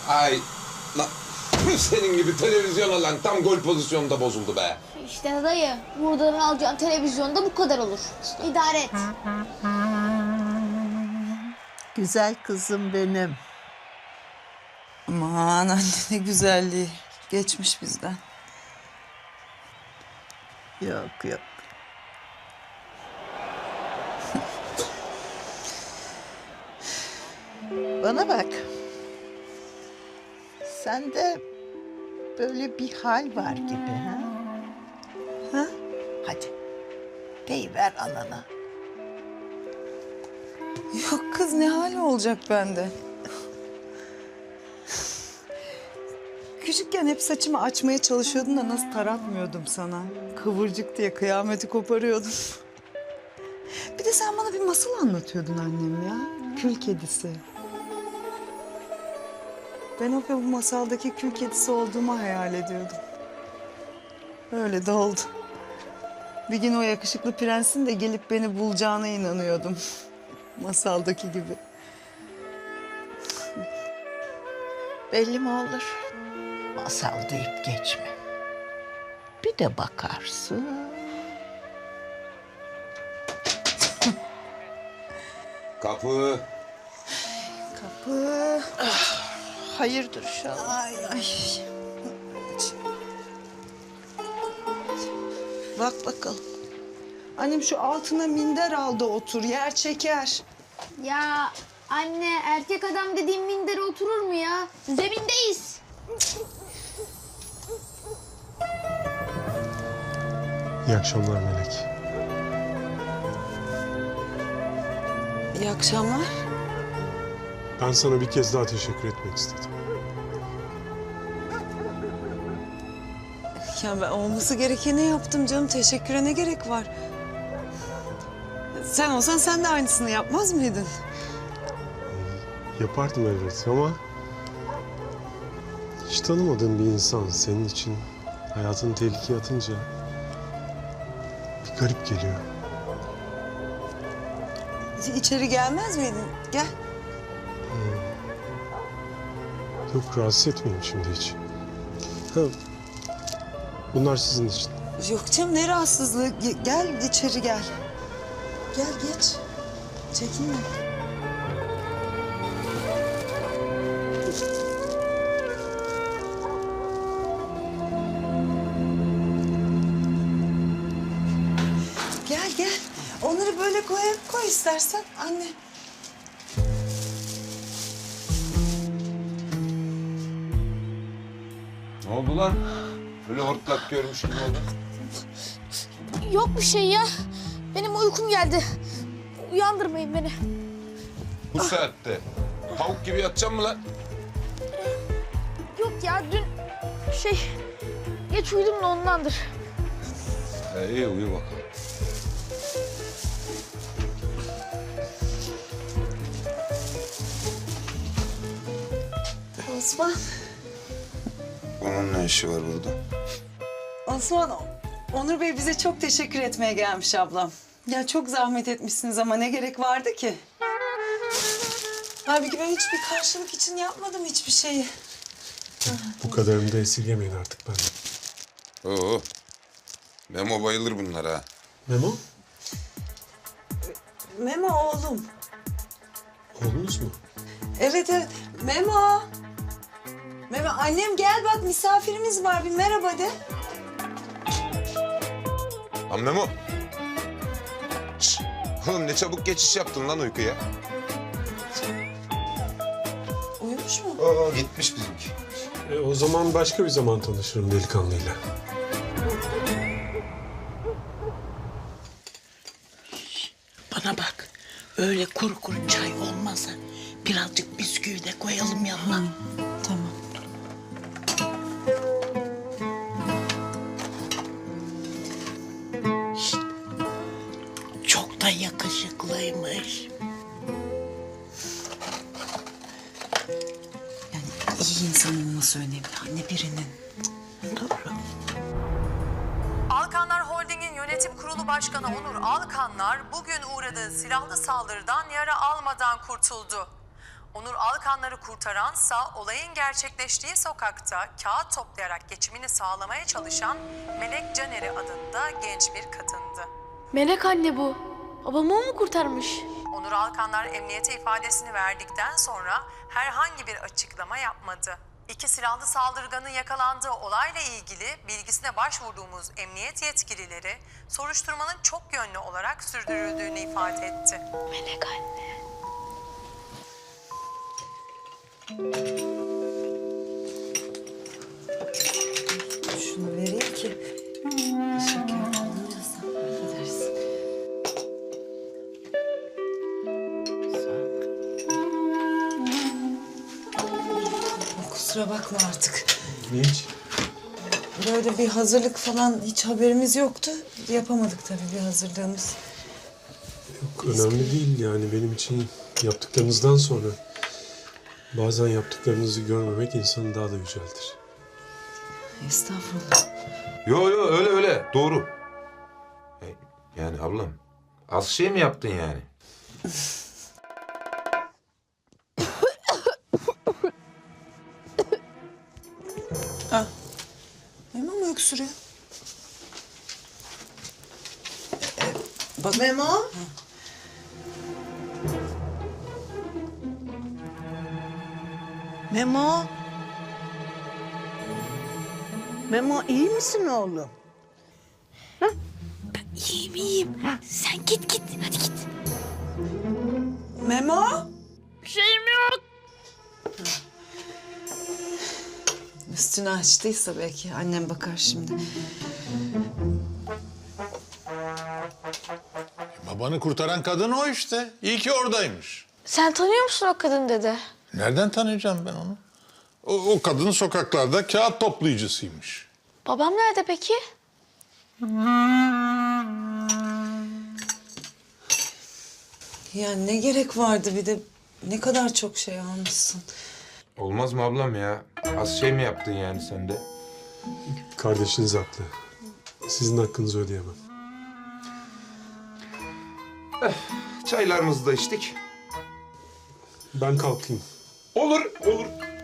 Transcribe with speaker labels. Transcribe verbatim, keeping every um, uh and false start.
Speaker 1: Ay, la, senin gibi televizyon lan tam gol pozisyonunda bozuldu be.
Speaker 2: İşte dayı, buradan alacağın televizyonda bu kadar olur. İdare et.
Speaker 3: Güzel kızım benim.
Speaker 4: Aman anne ne güzelliği. Geçmiş bizden.
Speaker 3: Yok yok. Bana bak. Sende böyle bir hal var gibi ha? Ha? Hadi. Deyiver anana.
Speaker 4: Yok kız ne hali olacak bende? Küçükken hep saçımı açmaya çalışıyordun da nasıl taratmıyordum sana. Kıvırcık diye kıyameti koparıyordum. Bir de sen bana bir masal anlatıyordun annem ya. Kül kedisi. Ben o bu masaldaki kül kedisi olduğumu hayal ediyordum. Öyle de oldu. Bir gün o yakışıklı prensin de gelip beni bulacağına inanıyordum. Masaldaki gibi.
Speaker 3: Belli mi olur? Masal deyip geçme. Bir de bakarsın.
Speaker 1: Kapı.
Speaker 4: Kapı.
Speaker 3: Hayırdır inşallah.
Speaker 4: Ay ay.
Speaker 3: Bak bakalım.
Speaker 4: Annem şu altına minder al da otur, yer çeker.
Speaker 2: Ya anne, erkek adam dediğin mindere oturur mu ya? Zemindeyiz.
Speaker 5: İyi akşamlar Melek.
Speaker 4: İyi akşamlar.
Speaker 5: Ben sana bir kez daha teşekkür etmek istedim.
Speaker 4: Ya ben olması gerekeni yaptım canım. Teşekküre ne gerek var? Sen olsan sen de aynısını yapmaz mıydın?
Speaker 5: Yapardım elbet ama... hiç tanımadığım bir insan senin için hayatını tehlikeye atınca... bir garip geliyor.
Speaker 4: İçeri gelmez miydin? Gel.
Speaker 5: Yok, rahatsız etmeyeyim şimdi hiç. Ha, bunlar sizin için.
Speaker 4: Yok canım ne rahatsızlığı. Ge- Gel içeri gel. Gel geç. Çekinme. Gel gel. Onları böyle koy, koy istersen anne.
Speaker 1: Ne oldu lan? Böyle hortlak görmüş gibi oldu.
Speaker 2: Yok bir şey ya. Benim uykum geldi. Uyandırmayın beni.
Speaker 1: Bu saatte. Tavuk gibi yatacağım mı lan?
Speaker 2: Yok ya, dün şey geç uyudum da ondandır.
Speaker 1: He, iyi uyu bakalım.
Speaker 4: Osman.
Speaker 1: Onun ne işi var burada?
Speaker 4: Osman, Onur Bey bize çok teşekkür etmeye gelmiş ablam. Ya çok zahmet etmişsiniz ama ne gerek vardı ki? Halbuki ben hiçbir karşılık için yapmadım hiçbir şeyi.
Speaker 5: Bu kadarını da esirgemeyin artık benden.
Speaker 1: Oo. Memo bayılır bunlara.
Speaker 5: Memo,
Speaker 4: Memo oğlum.
Speaker 5: oğlunuz mu?
Speaker 4: Evet evet. Memo. Memo annem gel bak misafirimiz var bir merhaba de.
Speaker 1: Lan Memo. Şşş. Oğlum ne çabuk geçiş yaptın lan uykuya.
Speaker 4: Uyumuş mu?
Speaker 1: Oo, gitmiş bizimki.
Speaker 5: E, o zaman başka bir zaman tanışırım delikanlıyla.
Speaker 6: Bana bak, öyle kuru kuru çay olmazsa birazcık bisküvi de koyalım yanına.
Speaker 4: Tamam.
Speaker 6: Çok da yakışıklıymış.
Speaker 4: Yani iyi insan olması önemli anne birinin.
Speaker 6: Doğru.
Speaker 7: Alkanlar Holding'in yönetim kurulu başkanı Onur Alkanlar bugün uğradığı silahlı saldırıdan yara almadan kurtuldu. Onur Alkanları kurtaransa olayın gerçekleştiği sokakta kağıt toplayarak geçimini sağlamaya çalışan Melek Caner'i adında genç bir kadındı.
Speaker 2: Melek anne bu. Babamı o mu kurtarmış?
Speaker 7: Onur Alkanlar emniyete ifadesini verdikten sonra herhangi bir açıklama yapmadı. İki silahlı saldırganın yakalandığı olayla ilgili bilgisine başvurduğumuz emniyet yetkilileri soruşturmanın çok yönlü olarak sürdürüldüğünü ifade etti.
Speaker 2: Melek anne.
Speaker 4: Şunu vereyim ki şeker alınırsa gidersin. Kusura bakma artık.
Speaker 5: Hiç.
Speaker 4: Böyle bir hazırlık falan hiç haberimiz yoktu. Yapamadık tabii bir hazırlığımız.
Speaker 5: Yok, önemli değil yani benim için yaptıklarınızdan sonra bazen yaptıklarınızı görmemek insanı daha da yüceltir.
Speaker 4: Estağfurullah.
Speaker 1: Yo yo öyle öyle doğru. E, Yani ablam az şey mi yaptın yani?
Speaker 4: Memo mu öksürüyor?
Speaker 3: Bak Memo. Memo. Memo iyi misin oğlum?
Speaker 2: İyiyim iyiyim. Sen git git. Hadi git.
Speaker 4: Memo?
Speaker 2: Bir şeyim yok.
Speaker 4: Üstünü açtıysa belki annem bakar şimdi.
Speaker 8: Babanı kurtaran kadın o işte. İyi ki oradaymış.
Speaker 2: Sen tanıyor musun o kadın dede?
Speaker 8: Nereden tanıyacağım ben onu? O, o kadın sokaklarda kağıt toplayıcısıymış.
Speaker 2: Babam nerede peki?
Speaker 4: Ya ne gerek vardı bir de ne kadar çok şey almışsın.
Speaker 1: Olmaz mı ablam ya? Az şey mi yaptın yani sen de?
Speaker 5: Kardeşiniz haklı. Sizin hakkınızı ödeyemem.
Speaker 1: Çaylarımızı da içtik.
Speaker 5: Ben kalkayım.
Speaker 1: Olur olur.